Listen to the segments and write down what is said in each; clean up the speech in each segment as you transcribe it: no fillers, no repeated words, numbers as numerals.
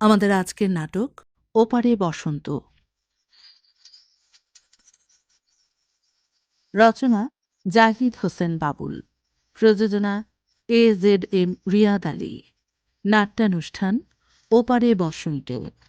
আমাদের আজকের নাটক ওপারে বসন্ত। রচনা জাহিদ হোসেন বাবুল। প্রযোজনা AZM রিয়াদ আলী। নাট্যানুষ্ঠান ওপারে বসন্ত।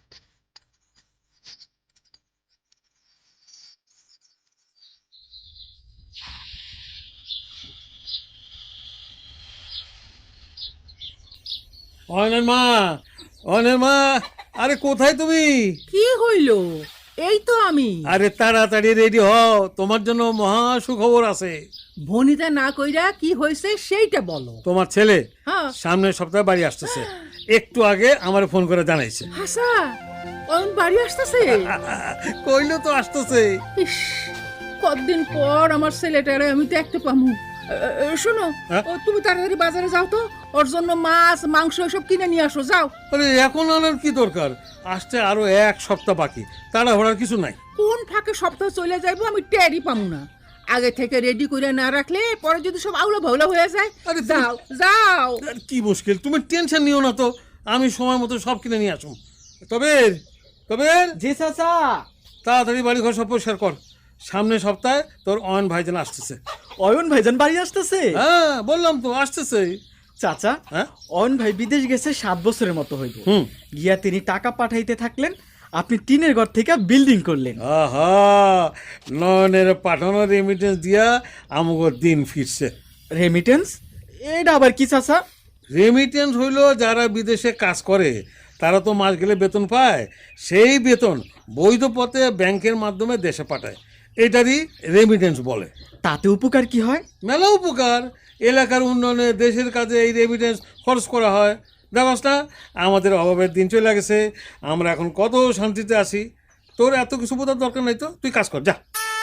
অয়নের মা, অয়নের মা, আরে কোথায় তুমি? কি হইল? এই তো আমি। আরে তাড়াতাড়ি রেডি হও, তোমার জন্য মহা সুখবর আছে। ভনিতা না কইরা কি হয়েছে সেইটা বলো। তোমার ছেলে হ্যাঁ। সামনের সপ্তাহে বাড়ি আসতেছে। একটু আগে আমার ফোন করে জানাইছে। হাসা অন বাড়ি আসতেছে? কইলো তো আসতেছে। ইস, কতদিন পর আমার ছেলেটারে আমি তো একটা পামু। শোনো, হ্যাঁ? তুমি তাড়াতাড়ি বাজারে যাও তো, ওর জন্য মাছ মাংস সব কিনে নিয়ে আসো, যাও। আরে এখন আনার কি দরকার? আসতে আরো এক সপ্তাহ বাকি, তাড়াহুড়ার কিছু নাই। কোন ফাঁকে সপ্তাহ চলে যাইবো আমি টেরই পামু না। আগে থেকে রেডি করে না রাখলে পরে যদি সব আউলা ভাউলা হয়ে যায়। আরে যাও যাও। আর কি মুশকিল, তুমি টেনশন নিও না তো, আমি সময় মতো সব কিনে নিয়ে আসুন। তবে তবে জি চাচা। তাড়াতাড়ি বাড়ি ঘর সব পরিষ্কার কর, সামনের সপ্তাহে তোর অয়ন ভাইজান আসতেছে। অয়ন ভাইজান বাড়ি আসতেছে? হ্যাঁ বললাম তো আসতেছে। চাচা, হ্যাঁ? অয়ন ভাই বিদেশ গেছে 7 বছরের মতো হইব। হুম। গিয়া তিনি টাকা পাঠাইতে থাকলেন, আপনি টিনের ঘর থেকে বিল্ডিং করলেন। আহা, নয়নের পাঠানো রেমিটেন্স দিয়া আমাকে দিন ফিরছে। রেমিটেন্স? এটা আবার কি চাচা? রেমিটেন্স হইল যারা বিদেশে কাজ করে তারা তো মাস গেলে বেতন পায়, সেই বেতন বৈধ পথে ব্যাংকের মাধ্যমে দেশে পাঠায়, এটারই রেমিটেন্স বলে। তাতে উপকার কি হয়? মেলা উপকার, এলাকার উন্নয়নে দেশের কাজে এই রেমিটেন্স খরচ করা হয়। দেখস না, আমাদের অভাবের দিন চলে গেছে, আমরা এখন কত শান্তিতে আছি। তোর এত কিছু বোঝার দরকার নাই তো, তুই কাজ কর যা।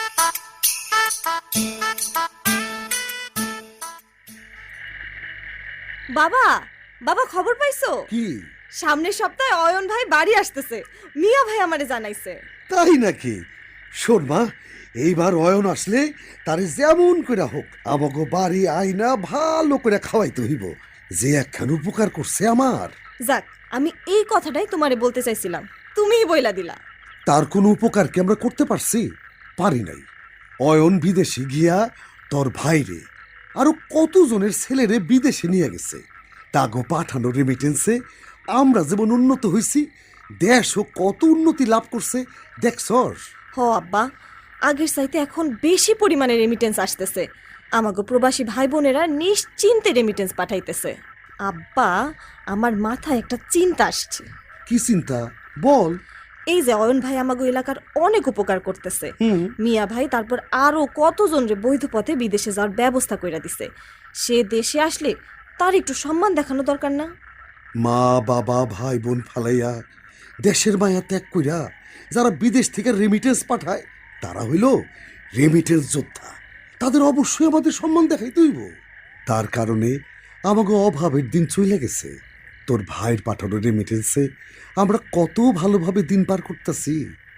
বাবা, বাবা খবর পাইছো? কি? সামনের সপ্তাহে অয়ন ভাই বাড়ি আসতেছে, মিয়া ভাই আমারে জানাইছে। তাই নাকি? শোন মা, এইবার অয়ন আসলে তারে যেমন করে হোক আমাকে বাড়ি আইনা ভালো করে খাওয়াইতে হইব, যে একখান উপকার করছে আমার। যাক, আমি এই কথাটাই তোমারে বলতে চাইছিলাম, তুমিই বইলা দিলা। তার কোনো উপকার কি আমরা করতে পারছি? পারি নাই। অয়ন বিদেশে গিয়া তোর ভাইরে আরো কতজনের ছেলেরে বিদেশে নিয়ে গেছে। তাগো পাঠানো রেমিটেন্সে আমরা যেমন উন্নত হইছি, দেশও কত উন্নতি লাভ করছে দেখছস? হ আব্বা, আগের চাইতে এখন বেশি পরিমাণে রেমিটেন্স আসতেছে। আমাগো প্রবাসী ভাই বোনেরা নিশ্চিন্তে রেমিটেন্স পাঠাইতেছে। আব্বা, আমার মাথায় একটা চিন্তা আসছে। কি চিন্তা বল? এই যে অয়ন ভাই আমাগো এলাকার অনেক উপকার করতেছে, হুম। মিয়া ভাই তারপর আরো কতজন রে বৈধ পথে বিদেশে যাওয়ার ব্যবস্থা কইরা দিছে। সে দেশে আসলে তার একটু সম্মান দেখানো দরকার না? মা বাবা ভাই বোন ফালাইয়া দেশের মায়া ত্যাগ কইরা যারা বিদেশ থেকে রেমিটেন্স পাঠায় তারা হইল রেমিটেন্স যোদ্ধা। তাদের অবশ্যই আমাদের সম্মান দেখাইতে হইব। তার কারণে আমাকে অভাবের দিন চলে গেছে। তোর ভাইয়ের পাঠানো রেমিটেন্সে আমরা কত ভালোভাবে দিন পার করতেছি।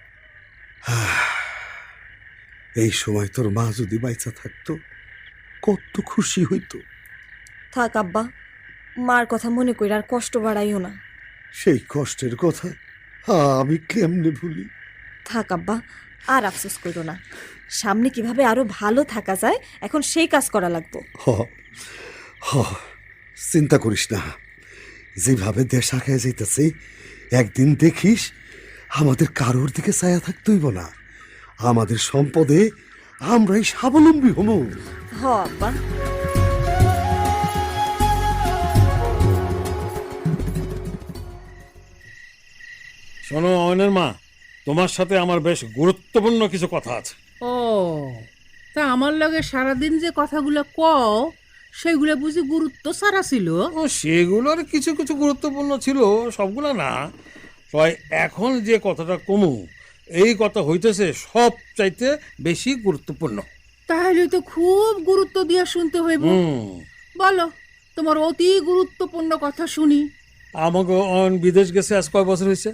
এই সময় তোর মা যদি বাইচা থাকতো কত খুশি হইতো। থাক আব্বা, মার কথা মনে কইরা আর কষ্ট বাড়াইও না। সেই কষ্টের কথা আমি কেমনে ভুলি? থাক আব্বা, আর আফসোস করো না। সামনে কিভাবে আরো ভালো থাকা যায় এখন সেই কাজ করা লাগবে। হ হ, চিন্তা করিস না, যেভাবে দেশ আগায় যাইতেছে একদিন দেখিস আমাদের কারোর দিকে ছায়া থাকতে হইব না। আমাদের সম্পদে আমরাই স্বাবলম্বী হব। হ আব্বা। শোনো অয়নের মা, তোমার সাথে আমার বেশ গুরুত্বপূর্ণ কিছু কথা আছে। ও, তা আমার লগে সারাদিন যে কথাগুলো কও সেগুলো বুঝি গুরুত্ব ছাড়া ছিল? ও, সেগুলোর কিছু কিছু গুরুত্বপূর্ণ ছিল, সবগুলো না। তবে এখন যে কথাটা কমু, এই কথা হইতেছে সব চাইতে বেশি গুরুত্বপূর্ণ। তাহলে তো খুব গুরুত্ব দিয়ে শুনতে হইব। বলো, তোমার অতি গুরুত্বপূর্ণ কথা শুনি। আমাকে অয়ন বিদেশ গেছে আজ কয় বছর হয়েছে?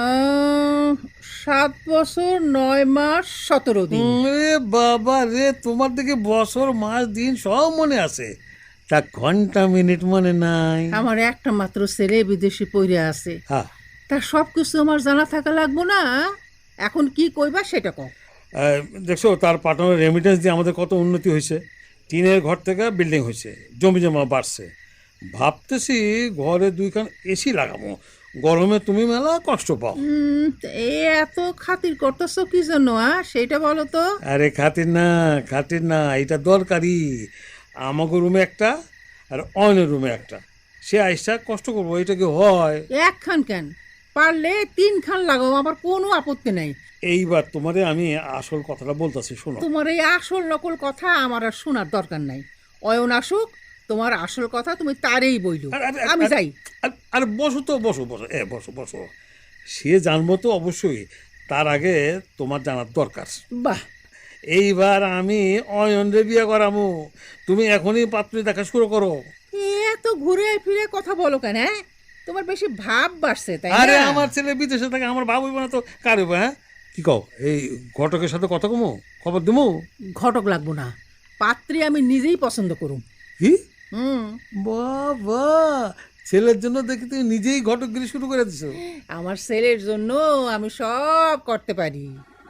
7 বছর 9 মাস 17 দিন। রে বাবা রে, তোমার দিকে বছর মাস দিন সব মনে আছে, তা ঘন্টা মিনিট মনে নাই? আমার একটা মাত্র ছেলে বিদেশে পড়ে আছে। হ্যাঁ। তা সব কিছু আমার জানা থাকা লাগবো না? এখন কি কইবা সেটা কও। দেখছো তার পাঠানোর রেমিটেন্স দিয়ে আমাদের কত উন্নতি হয়েছে। টিনের ঘর থেকে বিল্ডিং হয়েছে, জমি জমা বাড়ছে। ভাবতেছি ঘরে 2খান এসি লাগাবো, গরমে তুমি মেলা কষ্ট পাও। এ এত খাতির করতেছো কি জন্য সেটা বলো তো। আরে খাতির না, এটা দরকারি। আমাকে রুমে একটা আর অয়নের রুমে একটা, সে আইসা কষ্ট করবো, এটা কি হয়? একখান কেন, পারলে 3খান লাগাও, আমার কোনো আপত্তি নাই। এইবার তোমারে আমি আসল কথাটা বলতেছি, শোনো। তোমার এই আসল নকল কথা আমার আর শোনার দরকার নাই। অয়ন আসুক, তোমার আসল কথা তুমি তারেই বইল। আমি যাই। আর বসো তো, বসো। বসো। সে জানবো তো অবশ্যই, তার আগে তোমার জানার দরকার। বাহ, এইবার আমি অয়নরে বিয়ে করামু, তুমি এখনই পাত্রী দেখা শুরু করো। এত ঘুরে ফিরে কথা বলো কেন? তোমার বেশি ভাব বাড়ছে তাই আরে না? আমার ছেলে বিদেশে থাকে, আমার ভাব হইব না তো কার হইব? হ্যাঁ, কি কও? এই ঘটকের সাথে কথা কমু, খবর দিমু? ঘটক লাগবো না, পাত্রী আমি নিজেই পছন্দ করুম। কি হুম, বাবা, ছেলের জন্য দেখি তুমি নিজেই ঘটকগিরি শুরু করে দিছো। আমার ছেলের জন্য আমি সব করতে পারি।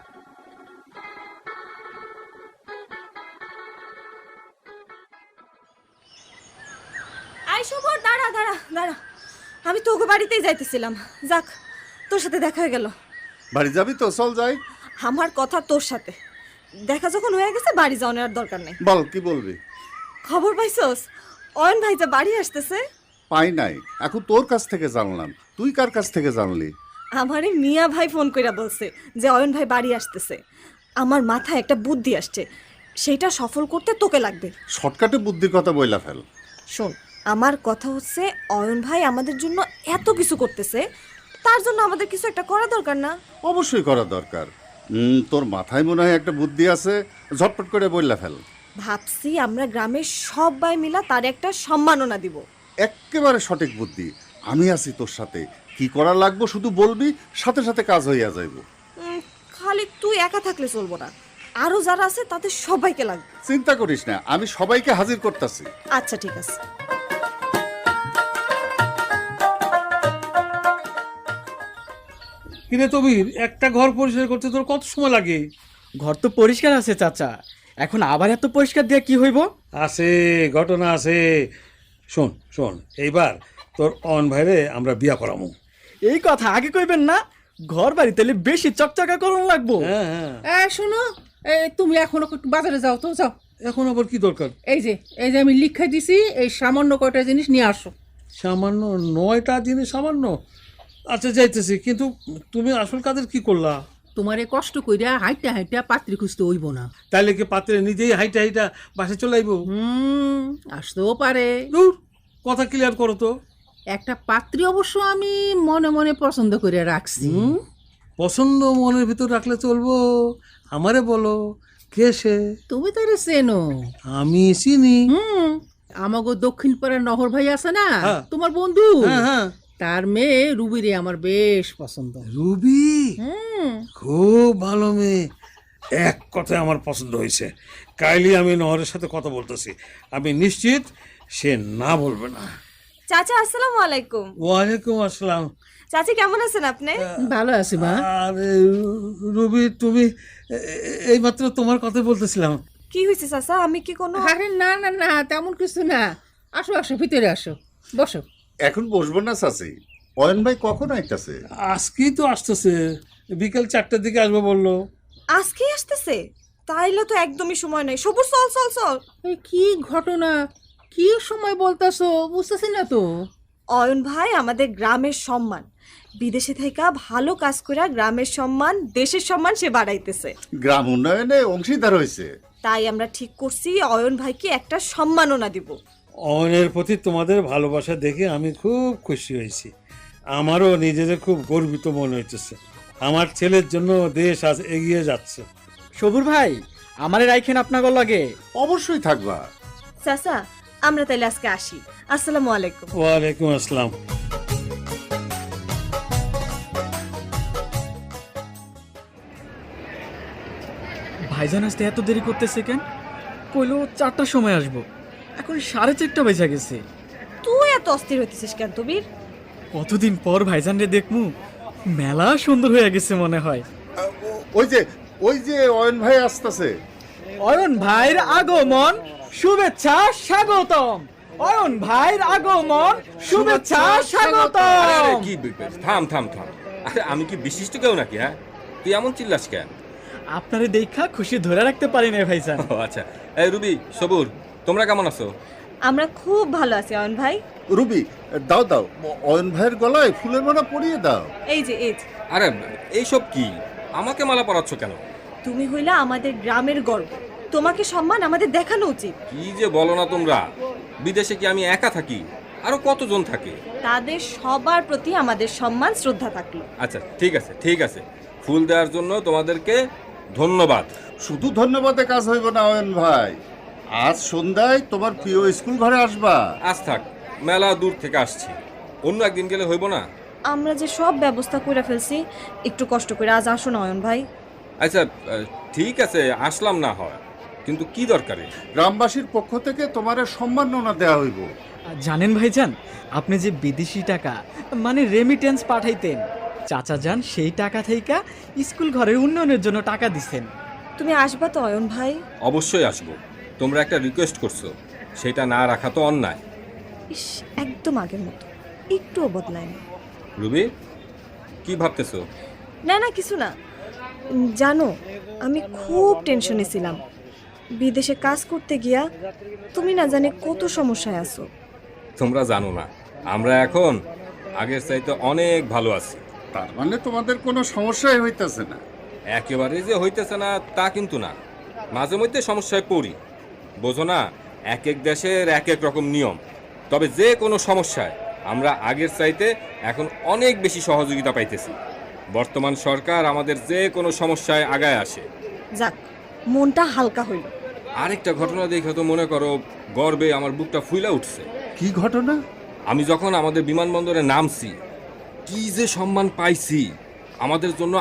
আই শুভর, দাঁড়া। আমি তোকে বাড়িতেই যাইতেছিলাম, যাক তোর সাথে দেখা হয়ে গেল। বাড়ি যাবি তো, চল যাই। আমার কথা তোর সাথে দেখা যখন হয়ে গেছে, বাড়ি যাওয়ার আর দরকার নেই। বল, কি বলবি? খবর পাইছস অয়ন ভাই যে বাড়ি আসতেছে? পাই নাই, এখন তোর কাছ থেকে জানলাম। তুই কার কাছ থেকে জানলি? আমারে মিয়া ভাই ফোন কইরা বলছে যে অয়ন ভাই বাড়ি আসতেছে। আমার মাথায় একটা বুদ্ধি আসছে, সেইটা সফল করতে তোকে লাগবে। শর্টকাটে বুদ্ধির কথা বইলা ফেল। শোন, আমার কথা হচ্ছে অয়ন ভাই আমাদের জন্য এত কিছু করতেছে, তার জন্য আমাদের কিছু একটা করা দরকার না? অবশ্যই করা দরকার। তোর মাথায় মনে হয় একটা বুদ্ধি আছে, ঝটপট করে বইলা ফেল। ভাবছি আমরা গ্রামের সবাই মিলা তার একটা সম্মাননা দিব। একেবারে সঠিক বুদ্ধি। আমি আছি তোর সাথে, কি করা লাগবে শুধু বলবি, সাথে সাথে কাজ হইয়া যাইব। খালি তুই একা থাকলে চলবো না, আরো যারা আছে তাদের সবাইকে লাগবে। চিন্তা করিস না, আমি সবাইকে হাজির করতেছি। আচ্ছা ঠিক আছে। কিরে তবির, একটা ঘর পরিষ্কার করতে তোর কত সময় লাগে? ঘর তো পরিষ্কার আছে চাচা, এখন আবার এত পরিষ্কার দিয়ে কি হইব? আছে, ঘটনা আছে। শোন, এইবার তোর অন ভাইরে আমরা বিয়া করামু। এই কথা আগে কইবেন না, ঘর বাড়ি তাহলে বেশি চকচকা করুন লাগবো। হ্যাঁ, শোনো, তুমি এখন একটু বাজারে যাও তো, যাও। এখন আবার কি দরকার? এই যে আমি লিখে দিছি, এই সামান্য কয়টা জিনিস নিয়ে আসো। সামান্য 9টা জিনিস? সামান্য? আচ্ছা যাইতেছি, কিন্তু তুমি আসল কাজের কি করলা? তোমারে কষ্ট কইরা হাইটা পাত্রী খুঁজতে হইব না। তাইলে কি পাত্রে নিজেই হাইটা বাসে চলে আইব? আসতেও পারে। দূর, কথা ক্লিয়ার করো তো। একটা পাত্রী অবশ্য আমি মনে মনে পছন্দ করে রাখছি। পছন্দ মনের ভিতর রাখলে চলবো? আমারে বলো, কে সে? তুমি তারে চেনো? আমি চিনি। আমাগো দক্ষিণ পাড়ার নহর ভাই আছে না, হ্যাঁ। তোমার বন্ধু, হ্যাঁ। তার মেয়ে রুবিরে আমার বেশ পছন্দ। রুবি খুব ভালো মেয়ে, এক কথায় আমার পছন্দ হয়েছে। কাইলি আমি নহরের সাথে কথা বলতেছি, আমি নিশ্চিত সে না বলবে না। চাচা আসসালামু আলাইকুম। ওয়ালাইকুম আসসালাম। চাচি কেমন আছেন আপনি? ভালো আছি মা। আরে রুবি, তুমি এইমাত্র তোমার কথা বলতেছিলাম। কি হয়েছে চাচা? আমি কি কোনো... আরে না, তেমন কিছু না। আসো ভিতরে আসো, বসো। এখন বসবো না চাচি, অয়ন ভাই কখন আইতাছে? আজকেই তো আসতেছে, বিকেল 4টার দিকে আসবে বললো। আজকেই আসতেছে? তাইলে তো একদমই সময় নেই। সবুজ, চল। এই কি ঘটনা, কি সময় বলতাছো, বুঝতেছি না তো। অয়ন ভাই আমাদের গ্রামের সম্মান, বিদেশে থেকে ভালো কাজ করে গ্রামের সম্মান, দেশের সম্মান সে বাড়াইতেছে। গ্রাম উন্নয়নে অংশীদার হয়েছে, তাই আমরা ঠিক করছি অয়ন ভাইকে একটা সম্মাননা দিব। অয়নের প্রতি তোমাদের ভালোবাসা দেখে আমি খুব খুশি হয়েছি। আমারও নিজেদের খুব গর্বিত মনে হইতেছে। আমার ছেলের জন্য দেশ আজ এগিয়ে যাচ্ছে। সবুর ভাই, আমারে রাইখেন আপনার লাগে। অবশ্যই থাকবা। চাচা, আমরা তাইলে আজকে আসি। আসসালামু আলাইকুম। ওয়ালাইকুম আসসালাম। ভাইজান আসতে এত দেরি করতেছে কেন? কইলো 4টার সময় আসবো, এখন 4:30 বেজে গেছে। তুই এত অস্থির হইতেছিস কেন তবির? কতদিন পর ভাইজান রে দেখমু, মেলা সুন্দর হয়ে গেছে মনে হয়। ওই যে অয়ন ভাই আসতেছে। অয়ন ভাইয়ের আগমন, শুভেচ্ছা স্বাগতম। অয়ন ভাইয়ের আগমন, শুভেচ্ছা আরে স্বাগতম। কি থাম থাম থাম, আরে আমি কি বিশিষ্ট কেউ নাকি? হ্যাঁ, তুই এমন চিল্লাস কেন? আপনারে দেখা খুশি ধরে রাখতে পারি না ভাইজান। ও আচ্ছা। এই রুবি, সবুর, তোমরা কেমন আছো? আমরা খুব ভালো আছি অয়ন ভাই। রুবি, দাও দাও, অয়ন ভাইয়ের গলায় ফুলের মালা পরিয়ে দাও। এই যে আরে এইসব কি? আমাকে মালা পরাচ্ছ কেন? তুমি হইলা আমাদের গ্রামের গর্ব, তোমাকে সম্মান আমাদের দেখানো উচিত। কি যে বলো না তোমরা! বিদেশে কি আমি একা থাকি? আরো কতজন থাকে? তাদের সবার প্রতি আমাদের সম্মান শ্রদ্ধা থাকলো। আচ্ছা ঠিক আছে ঠিক আছে, ফুল দেওয়ার জন্য তোমাদেরকে ধন্যবাদ। শুধু ধন্যবাদে কাজ হইব না অয়ন ভাই, আজ সন্ধ্যায় তোমার প্রিয় স্কুল ঘরে আসবা। আজ থাক, মেলা দূর থেকে আসছি, অন্য একদিন গেলে হইব না? আমরা যে সব ব্যবস্থা করে ফেলছি, একটু কষ্ট করে আজ আসো না অয়ন ভাই। আচ্ছা ঠিক আছে, আসলাম না হয়, কিন্তু কি দরকারে? গ্রামবাসীর পক্ষ থেকে তোমার সম্মাননা দেওয়া হইব। জানেন ভাইজান, আপনি যে বিদেশি টাকা মানে রেমিটেন্স পাঠাইতেন, চাচা যান সেই টাকা থেকে স্কুল ঘরের উন্নয়নের জন্য টাকা দিছেন। তুমি আসবা তো অয়ন ভাই? অবশ্যই আসবো। তোমরা একটা রিকোয়েস্ট করছো, সেটা না রাখা তো অন্যায়। ইস, একদম আগের মতো, একটুও বদলায় না। রুবি, কি ভাবতেছো? না না, কিছু না। জানো, আমি খুব টেনশনে ছিলাম। বিদেশে কাজ করতে গিয়া তুমি না জানি কত সমস্যায় আছো। তোমরা জানো না, আমরা এখন আগের চাইতে অনেক ভালো আছি। তার মানে তোমাদের কোনো সমস্যাই হইতেছে না? একেবারে যে হইতেছে না তা কিন্তু না, মাঝে মধ্যে সমস্যায় পড়ি। বোঝো না, এক এক দেশের এক এক রকম নিয়ম। তবে যে কোনো সমস্যায় আমরা আগের চাইতে এখন অনেক বেশি সহযোগিতা পাইতেছি। বর্তমান সরকার আমাদের যে কোনো সমস্যায় আগায় আসে। যাক, মনটা হালকা হইল। আরেকটা ঘটনা দেখে তো মনে করো গর্বে আমার বুকটা ফুইলা উঠছে। কি ঘটনা? আমি যখন আমাদের বিমানবন্দরে নামছি, কি যে সম্মান পাইছি! আমাদের জন্য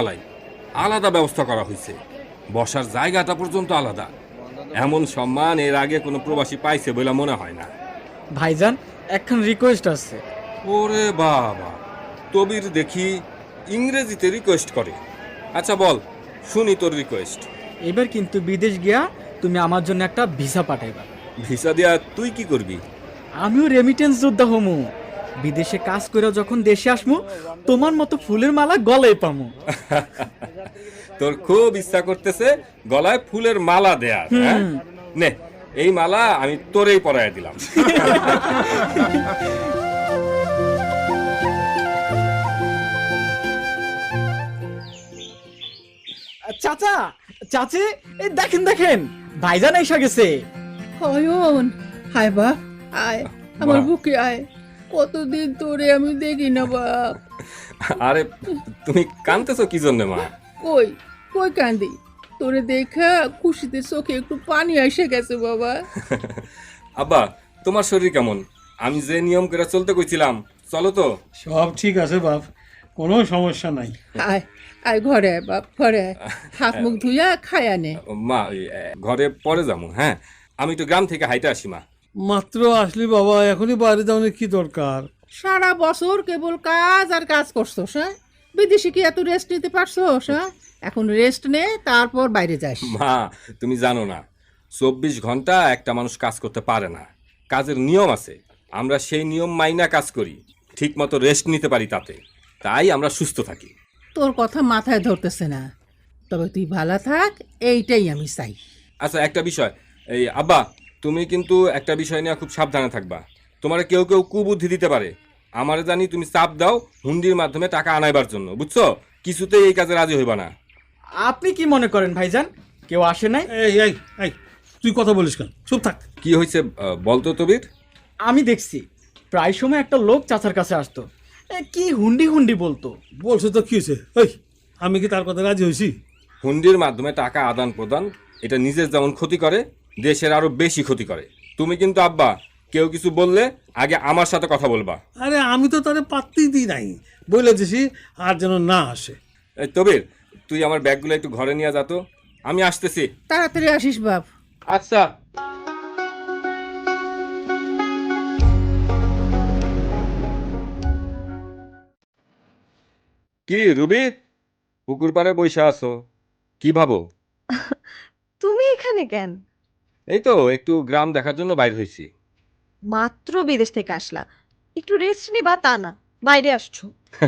আলাদা ব্যবস্থা করা হয়েছে, বসার জায়গাটা পর্যন্ত আলাদা। এমন সম্মান এর আগে কোনো প্রবাসী পাইছে বলে মনে হয় না। ভাইজান, একখান রিকোয়েস্ট আছে। ওরে বাবা, তবির দেখি ইংরেজিতে রিকোয়েস্ট করে। আচ্ছা বল, শুনি তোর রিকোয়েস্ট। এবার কিন্তু বিদেশ গিয়া তুমি আমার জন্য একটা ভিসা পাঠাইবা। ভিসা দিয়া তুই কি করবি? আমিও রেমিটেন্স যোদ্ধা হমু। বিদেশে কাজ করে যখন দেশে আসমু, তোমার মতো ফুলের মালা গলায় পামু। তোর খুব ইচ্ছা করতেছে গলায় ফুলের মালা দেয়া, হ্যাঁ? নে, এই মালা আমি তোরেই পরায় দিলাম। চাচা, চাচি, এই দেখেন দেখেন, ভাইজান এসে গেছে। অয়ন, হায় বাপ, আয় আমার বাহ। বুকে আয়। কতদিন তোরে আমি দেখি না বাপ। আরে তুমি কাঁদতেছো কি জন্য মা? কই কই কান্দি, তোরে দেখা খুশিতে চোখে একটু পানি এসে গেছে বাবা। আব্বা, তোমার শরীর কেমন? আমি যে নিয়ম করে চলতে কইছিলাম, চলো তো? সব ঠিক আছে বাপ, কোনো সমস্যা নাই। আয় আয় ঘরে আয় বাপ, ঘরে আয়, হাত মুখ ধুইয়া খায়া নে। মা ওই, ঘরে পরে যাবো। হ্যাঁ, আমি একটু গ্রাম থেকে হাইটে আসি মা। মাত্র আসলি বাবা, এখনই বাইরে যাওয়ার কি দরকার? সারা বছর কেবল কাজ আর কাজ করছোস, হ্যাঁ? বিদেশে কি এত রেস্ট নিতে পারছোস? হ্যাঁ, এখন রেস্ট নে, তারপর বাইরে যাস। মা, তুমি জানো না, 24 ঘন্টা একটা মানুষ কাজ করতে পারে না। কাজের নিয়ম আছে, আমরা সেই নিয়ম মাইনা কাজ করি, ঠিক মতো রেস্ট নিতে পারি, তাতে তাই আমরা সুস্থ থাকি। তোর কথা মাথায় ধরতেছে না, তবে তুই ভালো থাক, এইটাই আমি চাই। আচ্ছা একটা বিষয়, এই আব্বা, তুমি কিন্তু একটা বিষয় নিয়ে খুব সাবধানে থাকবা। তোমার কেউ কেউ কুবুদ্ধি দিতে পারে। আমারে জানি তুমি চাপ দাও হুন্ডির মাধ্যমে টাকা আনাইবার জন্য, বুঝছো? কিছুতেই এই কাজে রাজি হইবা না। আপনি কি মনে করেন ভাইজান, কেউ আসে নাই? এই এই এই, তুই কথা বলিস কেন? চুপ থাক। কি হয়েছে বলতো তবির? আমি দেখছি প্রায় সময় একটা লোক চাচার কাছে আসতো, কি হুন্ডি হুন্ডি বলতো। বলছে তো কি হয়েছে? এই, আমি কি তার কথা রাজি হয়েছি? হুন্ডির মাধ্যমে টাকা আদান প্রদান, এটা নিজের যেমন ক্ষতি করে, দেশের আরো বেশি ক্ষতি করে। তুমি কিন্তু আব্বা, কেউ কিছু বললে আগে আমার সাথে কথা বলবা। আরে আমি তো তারে পাত্তেই দিই নাই, বলে দিছি আর যেন না আসে। এই তবির, তুই আমার ব্যাগগুলো একটু ঘরে নিয়ে যা তো, আমি আসতেছি। তাড়াতাড়ি আসিস বাপ। আচ্ছা। কি রুবি, পুকুর পাড়ে বইসা আছো, কি ভাবো? তুমি এখানে কেন? এই তো একটু গ্রাম দেখার জন্য বাইর হয়েছি। মাত্র বিদেশ থেকে আসলা, একটু রেস্ট নিবা তা না বাইরে আসছো।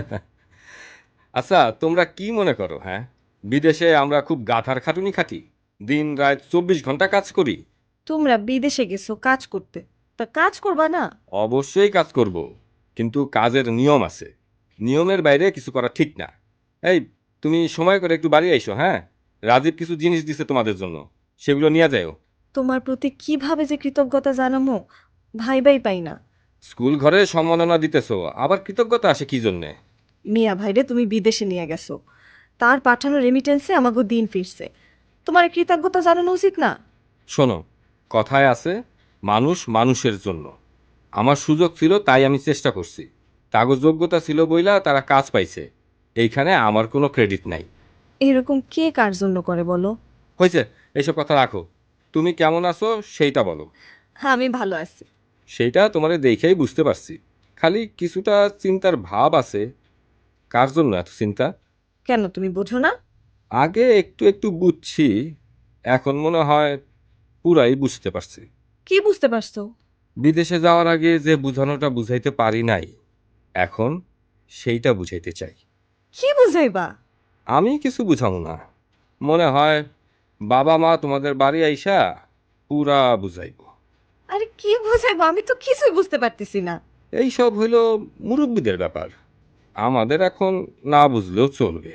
আচ্ছা, তোমরা কি মনে করো? হ্যাঁ, বিদেশে আমরা খুব গাধার খাটুনি খাটি, দিন রাত 24 ঘন্টা কাজ করি। তোমরা বিদেশে গেছো কাজ করতে, তা কাজ করবা না? অবশ্যই কাজ করব, কিন্তু কাজের নিয়ম আছে, নিয়মের বাইরে কিছু করা ঠিক না। এই, তুমি সময় করে একটু বাড়ি আইসো। হ্যাঁ, রাজীব কিছু জিনিস দিছে তোমাদের জন্য, সেগুলো নিয়ে যাও। তোমার প্রতি কিভাবে যে কৃতজ্ঞতা জানামো ভাইবাই পাই না। স্কুল ঘরে সম্মাননা দিতেছো, আবার কৃতজ্ঞতা আসে কি জন্যে? মিয়া ভাইরে তুমি বিদেশে নিয়ে গেছো, তার পাঠানো রেমিটেন্সে আমাকে দিন ফিরছে, তোমার কৃতজ্ঞতা জানানো উচিত না? শোনো, কথায় আছে মানুষ মানুষের জন্য। আমার সুযোগ ছিল তাই আমি চেষ্টা করছি, কাগজ যোগ্যতা ছিল বইলা তারা কাজ পাইছে, এইখানে আমার কোনো ক্রেডিট নাই। এরকম কে কার জন্য করে বলো? হয়েছে, এইসব কথা রাখো। তুমি কেমন আছো সেইটা বলো। হ্যাঁ, আমি ভালো আছি। সেইটা তোমারে দেখেই বুঝতে পারছি, খালি কিছুটা চিন্তার ভাব আছে। কার জন্য এত চিন্তা? কেন তুমি বোঝো না? আগে একটু একটু বুঝছি, এখন মনে হয় পুরাই বুঝতে পারছি। কি বুঝতে পারছো? বিদেশে যাওয়ার আগে যে বুঝানোটা বুঝাইতে পারি নাই, এখন সেইটা বুঝাইতে চাই। কি বুঝাইবা? আমি কিছু বুঝাবো না, মনে হয় বাবা মা তোমাদের বাড়ি আইসা পুরা বুঝাইব। আরে কি বুঝাইবা, আমি তো কিছুই বুঝতে পারতেছি না। এইসব হইল মুরব্বীদের ব্যাপার, আমাদের এখন না বুঝলেও চলবে।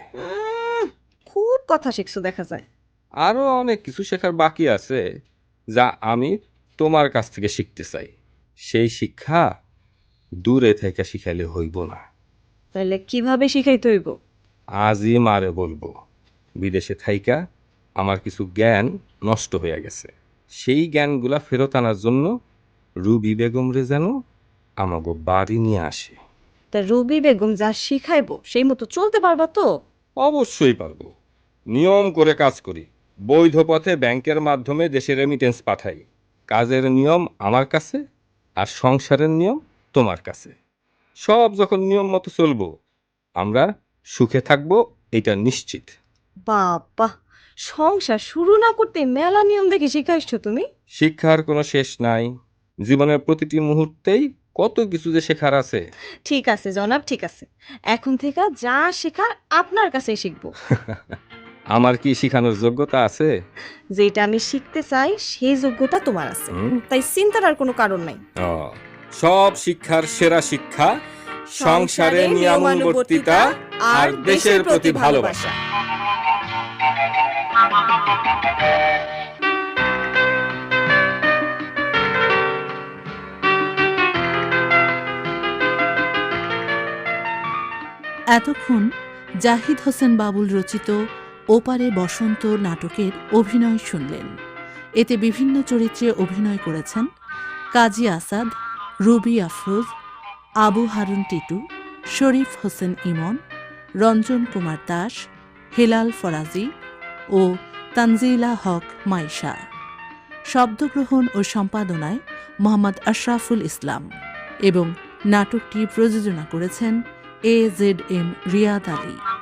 খুব কথা শিখছো দেখা যায়। আরও অনেক কিছু শেখার বাকি আছে, যা আমি তোমার কাছ থেকে শিখতে চাই। সেই শিক্ষা দূরে থেকে শিখাইলে হইব না। তাহলে কিভাবে শিখাইতে হইব? আজই মারে বলবো, বিদেশে থাইকা আমার কিছু জ্ঞান নষ্ট হয়ে গেছে, সেই জ্ঞানগুলা ফেরত আনার জন্য রুবি বেগম রে যেন আমাকে বাড়ি নিয়ে আসে। তা রবি বেগম যা শিখাইবো সেই মতো চলতে পারবা তো? অবশ্যই পারবো, নিয়ম করে কাজ করি, বৈধ পথে ব্যাংকের মাধ্যমে দেশে রেমিটেন্স পাঠাই। কাজের নিয়ম আমার কাছে, আর সংসারের নিয়ম তোমার কাছে। সব যখন নিয়ম মতো চলবো, আমরা সুখে থাকবো, এটা নিশ্চিত। বাবা, সংসার শুরু না করতে মেলা নিয়ম দেখে শিখাইছো তুমি। শিক্ষার কোনো শেষ নাই, জীবনের প্রতিটি মুহূর্তেই কত কিছু যে শেখার আছে। ঠিক আছে জনাব, ঠিক আছে, এখন থেকে যা শেখার আপনার কাছেই শিখবো। আমার কি শিখানোর যোগ্যতা আছে? যেটা আমি শিখতে চাই সেই যোগ্যতা তোমার আছে, তাই চিন্তার আর কোনো কারণ নাই। ও, সব শিক্ষার সেরা শিক্ষা সংসারে নিয়মানুবর্তিতা আর দেশের প্রতি ভালোবাসা। এতক্ষণ জাহিদ হোসেন বাবুল রচিত ওপারে বসন্ত নাটকের অভিনয় শুনলেন। এতে বিভিন্ন চরিত্রে অভিনয় করেছেন কাজী আসাদ, রুবি আফরোজ, আবু হারুন টিটু, শরীফ হোসেন ইমন, রঞ্জন কুমার দাস, হেলাল ফরাজি ও তানজিলা হক মাইশা। শব্দগ্রহণ ও সম্পাদনায় মোহাম্মদ আশরাফুল ইসলাম এবং নাটকটি প্রযোজনা করেছেন AZM রিয়াদ আলী।